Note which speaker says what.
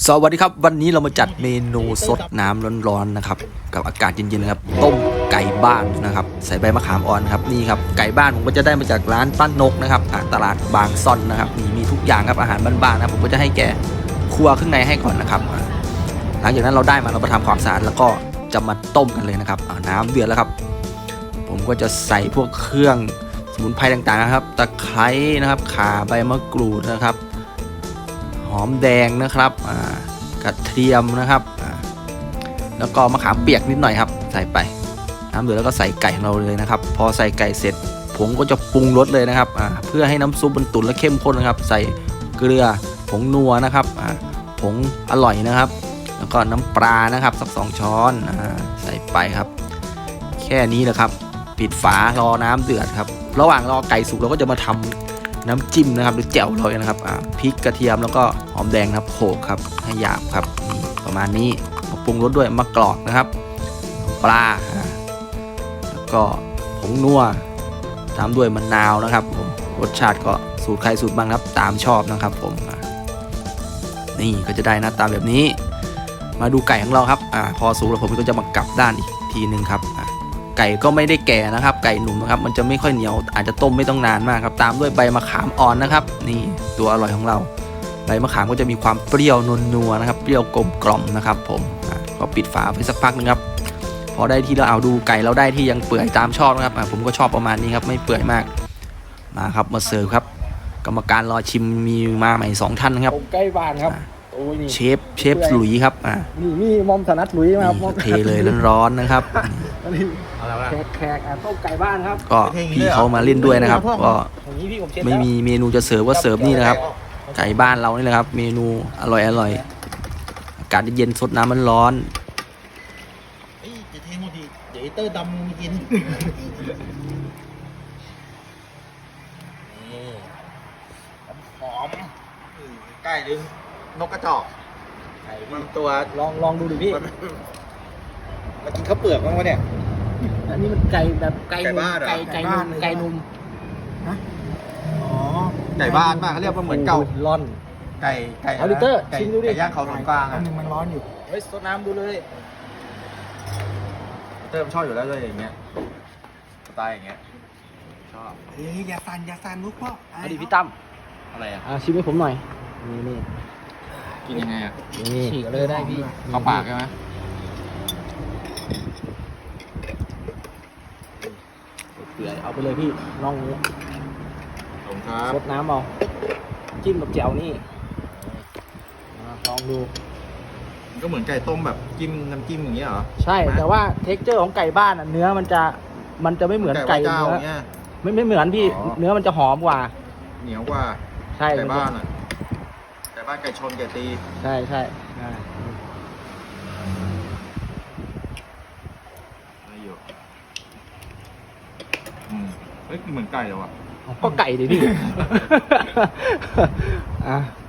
Speaker 1: สวัสดีครับวันนี้เรามาจัดเมนูสดน้ำร้อนๆนะครับกับอากาศเย็นๆนะครับต้มไก่บ้านนะครับใส่ใบมะขามอ่อนครับนี่ครับไก่บ้านผมก็จะได้มาจากร้านป้านกนะครับตลาดบางซ่อนนะครับมีทุกอย่างครับอาหารบ้านๆนะผมก็จะให้แกคั่วข้างในให้ก่อนนะครับหลังจากนั้นเราได้มาเรามาทำความสะอาดแล้วก็จะมาต้มกันเลยนะครับน้ำเดือดแล้วครับผมก็จะใส่พวกเครื่องสมุนไพรต่างๆนะครับตะไคร้นะครับข่าใบมะกรูดนะครับหอมแดงนะครับกระเทียมนะครับแล้วก็มะขามเปียกนิดหน่อยครับใส่ไปน้ำเดือดแล้วก็ใส่ไก่ของเราเลยนะครับพอใส่ไก่เสร็จผมก็จะปรุงรสเลยนะครับเพื่อให้น้ำซุปมันตุ๋นและเข้มข้นนะครับใส่เกลือผงนัวนะครับผงอร่อยนะครับแล้วก็น้ำปลานะครับสัก2 ช้อนใส่ไปครับแค่นี้แหละครับปิดฝารอน้ำเดือดครับระหว่างรอไก่สุกเราก็จะมาทำน้ำจิ้มนะครับหรือแจ่วเรานะครับพริกกระเทียมแล้วก็หอมแดงนะครับโขลกครับให้หยาบครับประมาณนี้มาปรุงรสด้วยมะกรอกนะครับปลาแล้วก็ผงนัวตามด้วยมะนาวนะครับผมรสชาติก็สูตรใครสูตรบ้างครับตามชอบนะครับผมนี่ก็จะได้หน้าตาแบบนี้มาดูไก่ของเราครับพอสุกแล้วผมก็จะมากลับด้านอีกทีนึงครับไก่ก็ไม่ได้แก่นะครับไก่หนุ่มนะครับมันจะไม่ค่อยเหนียวอาจจะต้มไม่ต้องนานมากครับตามด้วยใบมะขามอ่อนนะครับนี่ตัวอร่อยของเราใบมะขามก็จะมีความเปรี้ยวนวลนัวนะครับเปรี้ยวกลมกล่อมนะครับผมก็ปิดฝาไปสักพักนึงครับพอได้ที่เราเอาดูไก่เราได้ที่ยังเปื่อยตามชอบนะครับผมก็ชอบประมาณนี้ครับไม่เปื่อยมากมาครับมาเสิร์ฟครับกรรมการรอชิมมีมาใหม่2 ท่านนะครับ
Speaker 2: ใกล้บ้านครับ
Speaker 1: เชฟหลุยครับ
Speaker 2: นี่มอมถนัดหลุยมาครับ
Speaker 1: เทเลยร้อนๆนะครับ
Speaker 2: แขกต้มไก่บ้านครับ
Speaker 1: ก็พี่เขามาเล่นด้วยนะครับก็ไม่มีเมนูจะเสิร์ฟก็เสิร์ฟนี่นะครับไก่บ้านเรานี่แหละครับเมนูอร่อยอากาศเย็นสดน้ำมันร้อน
Speaker 3: จะเทหมดดิเดี๋ยวเตอร์ดำมีกินหอมไก่หรือนกกระจอกไก่มันตัว
Speaker 2: ลองดูดิพี่
Speaker 3: มากินข้าวเปลือกบ้างวะเนี่ย
Speaker 2: อันนี้มันไก่แบบไก่
Speaker 3: บ้าน
Speaker 2: ไก่นุ่ม
Speaker 3: ฮะอ๋อไก่บ้านมากเขาเรียกว่าเหมือนเก่า
Speaker 2: ร้อน
Speaker 3: ไก่
Speaker 2: เอาลิเตอร์ชิมดูดิ
Speaker 3: ไก่ย่างเขาสวนกลาง
Speaker 2: อันนึงมันร้อนอยู่เฮ้ยซดน้ำดูเลย
Speaker 3: เติมชอบอยู่แล้วเลยอย่างเงี้ยสไตล์อย่างเงี้ยชอบอย่าสั่นลูกพ่อ
Speaker 2: เอาดิพี่ตั้ม
Speaker 3: อะไร
Speaker 2: ชิมให้ผมหน่อยนี่
Speaker 3: กินยังไง
Speaker 2: นี่ฉีกเลยได้พี่
Speaker 3: เข้าปากใช่ไหม
Speaker 2: เปื่อยเอาไปเลยพี่น่องนี้
Speaker 3: ผมครับ
Speaker 2: ซดน้ำเอาจิ้มกับแจ่วนี่ลองดู
Speaker 3: ก็เหมือนไก่ต้มแบบจิ้มน้ำจิ้มอย่างเงี้ยเหรอ
Speaker 2: ใช่แต่ว่าเท็กเจอร์ของไก่บ้านเนื้อมันจะไม่เหมือนไก่เนื้อไม่เหมือนพี่เนื้อมันจะหอมกว่า
Speaker 3: เหนียวกว่า
Speaker 2: ใช่
Speaker 3: ไก่บ้านไก่บ้านไก่ชนไก่ตี
Speaker 2: ใช่
Speaker 3: ไม่อยู่เฮ้ยเหมือนไก่เลยวะ
Speaker 2: ก็ไก่ดิพี่